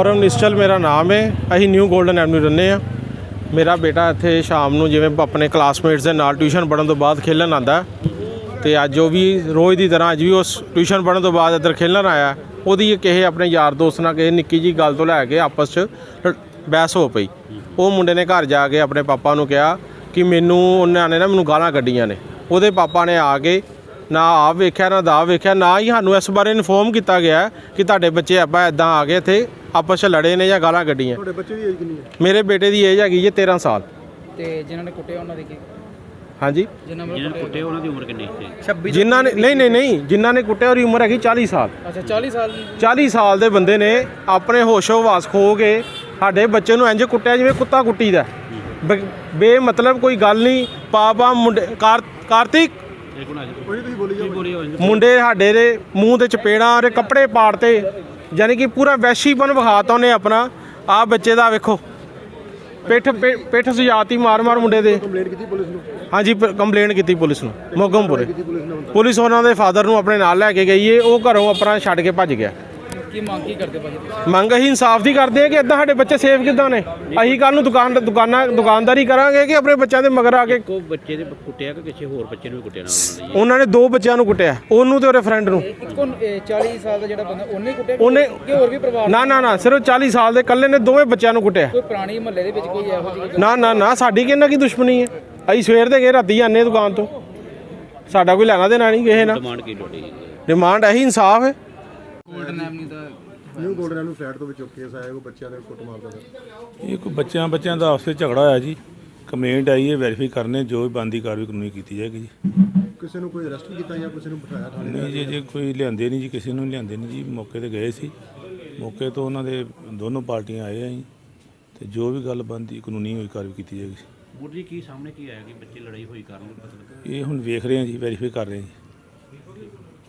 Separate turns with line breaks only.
ਗੌਰਵ ਨਿਸ਼ਚਲ ਮੇਰਾ ਨਾਮ ਹੈ। ਅਸੀਂ ਨਿਊ ਗੋਲਡਨ ਐਵਨਿਊ ਰਹਿੰਦੇ ਹਾਂ। ਮੇਰਾ ਬੇਟਾ ਇੱਥੇ ਸ਼ਾਮ ਨੂੰ ਜਿਵੇਂ ਆਪਣੇ ਕਲਾਸਮੇਟਸ ਦੇ ਨਾਲ ਟਿਊਸ਼ਨ ਪੜ੍ਹਨ ਤੋਂ ਬਾਅਦ ਖੇਲਣ ਆਉਂਦਾ, ਅਤੇ ਅੱਜ ਉਹ ਵੀ ਰੋਜ਼ ਦੀ ਤਰ੍ਹਾਂ ਅੱਜ ਵੀ ਉਸ ਟਿਊਸ਼ਨ ਪੜ੍ਹਨ ਤੋਂ ਬਾਅਦ ਇੱਧਰ ਖੇਲਣ ਆਇਆ। ਉਹਦੀ ਕਿਸੇ ਆਪਣੇ ਯਾਰ ਦੋਸਤ ਨਾਲ ਕਿਸੇ ਨਿੱਕੀ ਜਿਹੀ ਗੱਲ ਤੋਂ ਲੈ ਕੇ ਆਪਸ 'ਚ ਬਹਿਸ ਹੋ ਪਈ। ਉਹ ਮੁੰਡੇ ਨੇ ਘਰ ਜਾ ਕੇ ਆਪਣੇ ਪਾਪਾ ਨੂੰ ਕਿਹਾ ਕਿ ਉਹਨਾਂ ਨੇ ਮੈਨੂੰ ਗਾਲਾਂ ਕੱਢੀਆਂ ਨੇ। ਉਹਦੇ ਪਾਪਾ ਨੇ ਆ ਕੇ ਨਾ ਆਪ ਵੇਖਿਆ ਨਾ ਦਾ ਵੇਖਿਆ, ਨਾ ਹੀ ਸਾਨੂੰ ਇਸ ਬਾਰੇ ਇਨਫੋਰਮ ਕੀਤਾ ਗਿਆ ਕਿ ਤੁਹਾਡੇ ਬੱਚੇ ਆਪਾਂ ਇੱਦਾਂ ਆ ਕੇ ਇੱਥੇ ਆਪਸ 'ਚ ਲੜੇ ਨੇ ਜਾਂ ਗਾਲਾਂ ਕੱਢੀਆਂ।
ਤੁਹਾਡੇ ਬੱਚੇ ਦੀ ਏਜ ਕਿੰਨੀ ਹੈ?
ਮੇਰੇ ਬੇਟੇ ਦੀ ਏਜ ਹੈਗੀ ਜੀ 13 ਸਾਲ।
ਤੇ ਜਿਨ੍ਹਾਂ ਨੇ ਕੁੱਟਿਆ ਉਹਨਾਂ ਦੀ ਕੀ?
ਹਾਂਜੀ,
ਜਿਨ੍ਹਾਂ ਨੇ ਕੁੱਟਿਆ ਉਹਨਾਂ ਦੀ ਉਮਰ ਕਿੰਨੀ ਸੀ? 26।
ਜਿਨ੍ਹਾਂ ਨੇ ਨਹੀਂ ਜਿਨ੍ਹਾਂ ਨੇ ਕੁੱਟਿਆ ਉਹਦੀ ਉਮਰ ਹੈਗੀ 40 ਸਾਲ।
ਅੱਛਾ 40 ਸਾਲ।
40 ਸਾਲ ਦੇ ਬੰਦੇ ਨੇ ਆਪਣੇ ਹੋਸ਼ੋ ਹਵਾਸ ਖੋ ਕੇ ਸਾਡੇ ਬੱਚੇ ਨੂੰ ਇੰਝ ਕੁੱਟਿਆ ਜਿਵੇਂ ਕੁੱਤਾ ਕੁੱਟੀਦਾ। ਬੇਮਤਲਬ ਕੋਈ ਗੱਲ ਨਹੀਂ। ਪਾਪਾ ਮੁੰਡੇ ਕਾਰਤਿਕ ਮੁੰਡੇ ਸਾਡੇ ਦੇ ਮੂੰਹ ਦੇ ਚਪੇੜਾਂ ਦੇ ਕੱਪੜੇ ਪਾੜਤੇ, ਯਾਨੀ ਕਿ ਪੂਰਾ ਵੈਸ਼ੀਪਨ ਵਿਖਾਤਾ ਉਹਨੇ ਆਪਣਾ। ਆਹ ਬੱਚੇ ਦਾ ਵੇਖੋ ਪਿੱਠ ਸਜਾਤੀ ਮਾਰ ਮੁੰਡੇ ਦੇ।
ਕੰਪਲੇਂਟ ਕੀਤੀ ਪੁਲਿਸ ਨੂੰ?
ਹਾਂਜੀ, ਕੰਪਲੇਂਟ ਕੀਤੀ ਪੁਲਿਸ ਨੂੰ ਮੋਗਮਪੁਰੇ। ਪੁਲਿਸ ਉਹਨਾਂ ਦੇ ਫਾਦਰ ਨੂੰ ਆਪਣੇ ਨਾਲ ਲੈ ਕੇ ਗਈ ਹੈ। ਉਹ ਘਰੋਂ ਆਪਣਾ ਛੱਡ ਕੇ ਭੱਜ ਗਿਆ।
ਕੀ ਮੰਗ ਕੀ ਕਰਦੇ ਭਾਜੀ?
ਮੰਗ ਅਸੀਂ ਇਨਸਾਫ ਦੀ ਕਰਦੇ ਹਾਂ ਕਿ ਇੱਦਾਂ ਸਾਡੇ ਬੱਚੇ ਸੇਫ ਕਿੱਦਾਂ ਨੇ। ਅਸੀਂ ਕੱਲ੍ਹ ਨੂੰ ਦੁਕਾਨਦਾਰੀ ਕਰਾਂਗੇ ਕਿ ਆਪਣੇ ਬੱਚਿਆਂ ਦੇ ਮਗਰ ਆ ਕੇ।
ਇੱਕੋ ਬੱਚੇ ਦੇ ਕੁੱਟਿਆ ਕਿ ਕਿਸੇ ਹੋਰ ਬੱਚੇ ਨੂੰ ਵੀ ਕੁੱਟਿਆ ਨਾਲ?
ਉਹਨਾਂ ਨੇ 2 ਬੱਚਿਆਂ ਨੂੰ ਕੁੱਟਿਆ, ਉਹਨੂੰ ਤੇ ਉਹਦੇ ਫਰੈਂਡ ਨੂੰ।
ਇੱਕੋ 40 ਸਾਲ ਦਾ ਜਿਹੜਾ ਬੰਦਾ ਉਹਨੇ ਕੁੱਟਿਆ
ਉਹਨੇ
ਕਿ ਹੋਰ ਵੀ ਪਰਿਵਾਰ?
ਨਾ ਸਿਰਫ 40 ਸਾਲ ਦੇ ਇਕੱਲੇ ਨੇ 2 ਬੱਚਿਆਂ ਨੂੰ ਕੁੱਟਿਆ।
ਕੋਈ ਪੁਰਾਣੀ ਮਹੱਲੇ ਦੇ ਵਿੱਚ ਕੋਈ ਇਹੋ ਜਿਹੀ?
ਨਾ ਸਾਡੀ ਕਿਹਨਾਂ ਕੀ ਦੁਸ਼ਮਣੀ ਹੈ। ਅਸੀਂ ਸਵੇਰ ਦੇ ਗਏ ਰਾਤੀ ਆਨੇ ਦੁਕਾਨ ਤੋਂ, ਸਾਡਾ ਕੋਈ ਲੈਣਾ ਦੇਣਾ ਨਹੀਂ ਕਿਸੇ ਨਾਲ।
ਡਿਮਾਂਡ ਕੀ ਤੁਹਾਡੀ?
ਡਿਮਾਂਡ ਇਹੀ ਇਨਸਾਫ ਹੈ।
ਗੋਲਡਨ ਐਵਨਿਊ ਦਾ
ਨਿਊ ਗੋਲਡਨ ਐਵਨਿਊ ਫਲੈਟ ਤੋਂ ਵਿੱਚੋਂ ਕੇਸ ਆਇਆ ਕੋਈ ਬੱਚਿਆਂ ਦੇ ਕੁੱਟ ਮਾਰਦਾ ਦਾ।
ਇਹ ਕੋਈ ਬੱਚਿਆਂ ਦਾ ਆਪਸ ਵਿੱਚ ਝਗੜਾ ਹੋਇਆ ਜੀ। ਕੰਪਲੇਂਟ ਆਈ ਹੈ, ਵੈਰੀਫਾਈ ਕਰਨੇ ਜੋ ਵੀ ਬਣਦੀ ਕਾਰਵਾਈ ਕਾਨੂੰਨੀ ਕੀਤੀ ਜਾਏਗੀ ਜੀ।
ਕਿਸੇ ਨੂੰ ਕੋਈ ਅਰੈਸਟ ਕੀਤਾ ਜਾਂ ਕਿਸੇ ਨੂੰ ਬਿਠਾਇਆ ਥਾਣੇ?
ਨਹੀਂ ਜੀ ਕੋਈ ਲਿਆਂਦੇ ਨਹੀਂ ਜੀ, ਕਿਸੇ ਨੂੰ ਲਿਆਂਦੇ ਨਹੀਂ ਜੀ। ਮੌਕੇ ਤੇ ਗਏ ਸੀ, ਮੌਕੇ ਤੋਂ ਉਹਨਾਂ ਦੇ ਦੋਨੋਂ ਪਾਰਟੀਆਂ ਆਏ ਆ ਜੀ, ਤੇ ਜੋ ਵੀ ਗੱਲ ਬਣਦੀ ਕਾਨੂੰਨੀ ਹੋਈ ਕਾਰਵਾਈ ਕੀਤੀ ਜਾਏਗੀ।
ਬੁਰ ਜੀ ਕੀ ਸਾਹਮਣੇ ਕੀ ਆਇਆ ਕਿ ਬੱਚੇ ਲੜਾਈ ਹੋਈ ਕਾਰਨ?
ਇਹ ਹੁਣ ਵੇਖ ਰਹੇ ਹਾਂ ਜੀ, ਵੈਰੀਫਾਈ ਕਰ ਰਹੇ ਹਾਂ ਜੀ।